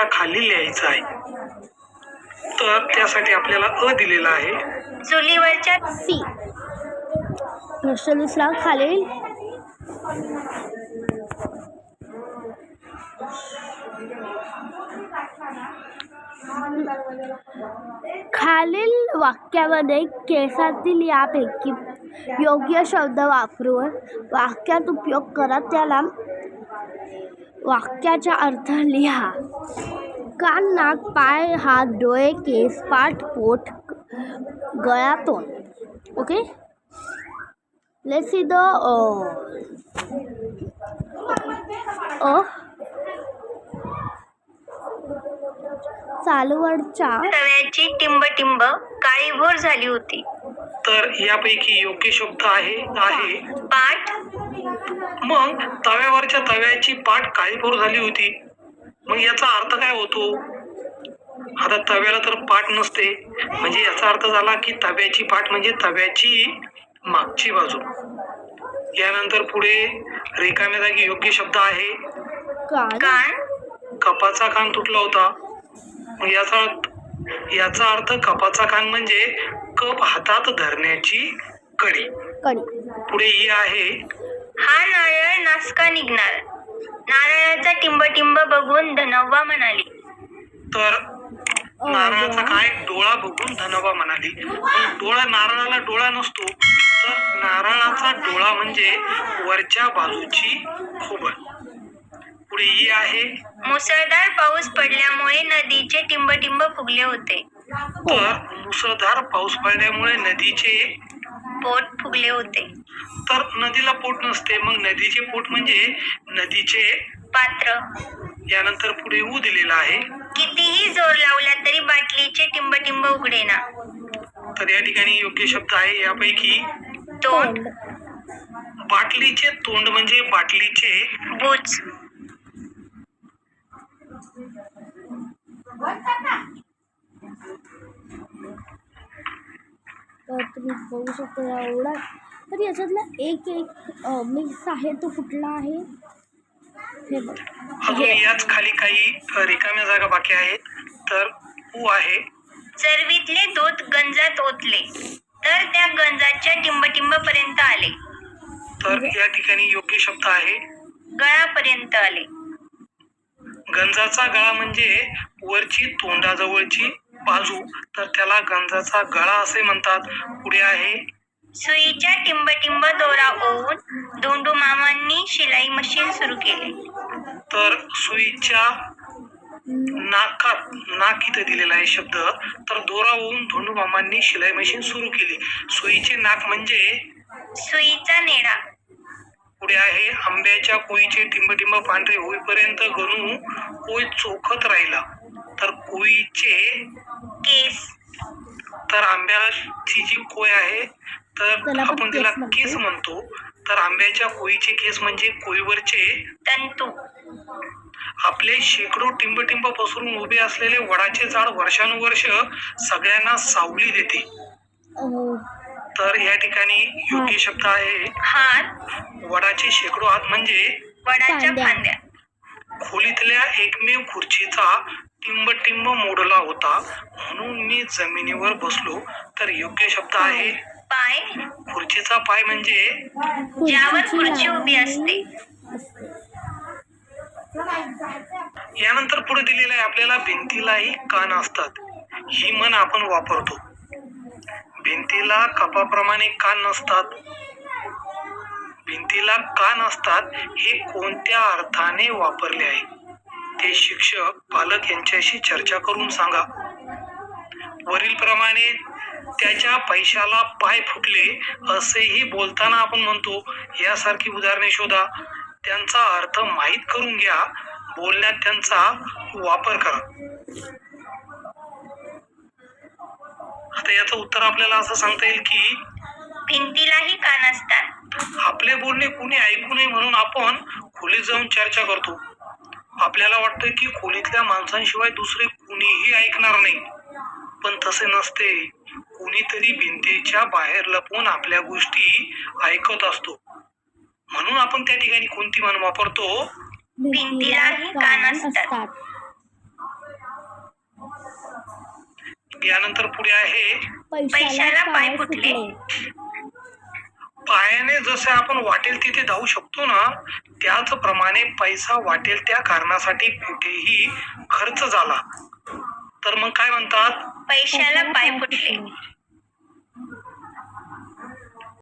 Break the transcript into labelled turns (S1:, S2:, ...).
S1: खाली लिहायचं आहे. तर त्यासाठी आपल्याला अ दिलेला आहे.
S2: चुलीवरच्या
S3: सी. प्रश्न दुसरा खालील खालील वाक्यामध्ये केसातील यापैकी योग्य शब्द वापरून वाक्यात उपयोग करा. त्याला वाक्याचा अर्थ लिहा. कान, नाक, पाय, हात, डोळे, केस, पाठ, पोट, गळा, तोंड. ओके, लेट्स सी द चालवडच्या
S2: तव्याची टिंबटिंब काळीभोर झाली होती.
S1: तर यापैकी योग्य शब्द आहे
S2: पाठ.
S1: मग तव्यावरच्या तव्याची पाठ काळीभोर झाली होती. मग याचा अर्थ काय होतो? आता तव्याला तर पाठ नसते, म्हणजे याचा अर्थ झाला की तव्याची पाठ म्हणजे तव्याची मागची बाजू. यानंतर पुढे रिकाम्या जागी योग्य शब्द आहे
S2: कान.
S1: कपाचा कान तुटला होता. मग याचा अर्थ कपाचा कान म्हणजे कप हातात धरण्याची कडी. पुढे ही आहे
S2: हा नारळ नासका निघणार. नारळाचा टिंबटिंब बघून धनव्वा म्हणाली.
S1: तर नारळाचा काय डोळा बघून धनोबा म्हणाली. पण डोळा, नारळाला डोळा नसतो, तर नारळाचा डोळा म्हणजे वरच्या बाजूची खोबळ. पुढे ही आहे
S2: मुसळधार पाऊस पडल्यामुळे नदीचे टिंबटिंब फुगले होते.
S1: तर मुसळधार पाऊस पडल्यामुळे नदीचे
S2: पोट फुगले होते.
S1: तर नदीला पोट नसते, मग नदीचे पोट म्हणजे नदीचे
S2: पात्र.
S1: यानंतर पुढे ऊ दिलेला आहे.
S2: कितीही जोर लावला तरी बाटलीचे टिंबटिंब उघडेना.
S1: तर या ठिकाणी योग्य शब्द आहे यापैकी
S2: तोंड.
S1: बाटलीचे तोंड म्हणजे बाटलीचे
S2: बुच.
S3: तर तुम्ही बघू शकता एवढा. तर याच्यातला एक मिक्स आहे तो कुठला आहे हे बघ.
S1: अजून याच खाली काही रिकाम्या जागा बाकी आहेत. तर ऊ आहे
S2: चरवीतले दूध गंजात ओतले तर त्या गंजाच्या टिंबटिंब पर्यंत आले.
S1: तर या ठिकाणी योग्य शब्द आहे
S2: गळापर्यंत आले.
S1: गंजाचा गळा म्हणजे वरची तोंडाजवळची बाजू, तर त्याला गंजाचा गळा असे म्हणतात. पुढे आहे
S2: सुईच्या टिंबटिंब दोरा ओवून धोंडू मामांनी शिलाई मशीन सुरू केली.
S1: तर सुईच्या नाकात, नाक इथे दिलेला आहे शब्द, तर दोरा ओवून धोंडू मामांनी शिलाई मशीन सुरू केली. सुईचे नाक म्हणजे
S2: सुईचा नेडा.
S1: पुढे आहे आंब्याच्या कोळीचे टिंबटिंब पांढरे होईपर्यंत गणू कोळी चोखत राहिला. तर कोळीचे
S2: केस.
S1: तर आंब्याची जी कोय आहे तर आपण तिला केस म्हणतो. तर आंब्याच्या कोळीचे केस म्हणजे कोळीवरचे
S2: तंतू.
S1: आपले शेकडो टिंबटिंब पसरून उभे असलेले वडाचे झाड वर्षानुवर्ष सगळ्यांना सावली देते. तर या ठिकाणी योग्य शब्द आहे
S2: हात.
S1: वडाचे शेकडो हात म्हणजे
S2: वडाच्या फांद्या.
S1: खोलीतल्या एकमेव खुर्चीचा टिंबटिंब मोडला होता म्हणून मी जमिनीवर बसलो. तर योग्य शब्द आहे
S2: पाय.
S1: खुर्चीचा पाय म्हणजे
S2: ज्यावर खुर्ची उभी असते.
S1: यानंतर पुढे दिलेलं आहे आपल्याला भिंतीलाही कान असतात. ही म्हण आपण वापरतो. भिंतीला कपाप्रमाणे कान नसतात. भिंतीला कान असतात हे कोणत्या अर्थाने वापरले आहे ते शिक्षक पालक यांच्याशी चर्चा करून सांगा. वरील प्रमाणे त्याच्या पैशाला पाय फुटले असेही बोलताना आपण म्हणतो. यासारखी उदाहरणे शोधा, त्यांचा अर्थ माहीत करून घ्या, बोलण्यात त्यांचा वापर करा. आता याचं उत्तर आपल्याला असं सांगता येईल की
S2: भिंतीलाही कान असतात.
S1: आपले बोलणे कुणी ऐकू नये म्हणून आपण खोलीत जाऊन चर्चा करतो. आपल्याला वाटतं की खोलीतल्या माणसांशिवाय दुसरे कुणीही ऐकणार नाही, पण तसे नसते. कुणीतरी भिंतीच्या बाहेर लपवून आपल्या गोष्टी ऐकत असतो. म्हणून आपण त्या ठिकाणी कोणती म्हण वापरतो?
S2: भिंतीलाही कान असतात.
S1: यानंतर पुढे आहे
S2: पैशाला पाय फुटले.
S1: पायाने जसे आपण वाटेल तिथे धावू शकतो ना, त्याचप्रमाणे पैसा वाटेल त्या कारणासाठी कुठेही खर्च झाला तर मग काय म्हणतात?
S2: पैशाला पाय फुटले.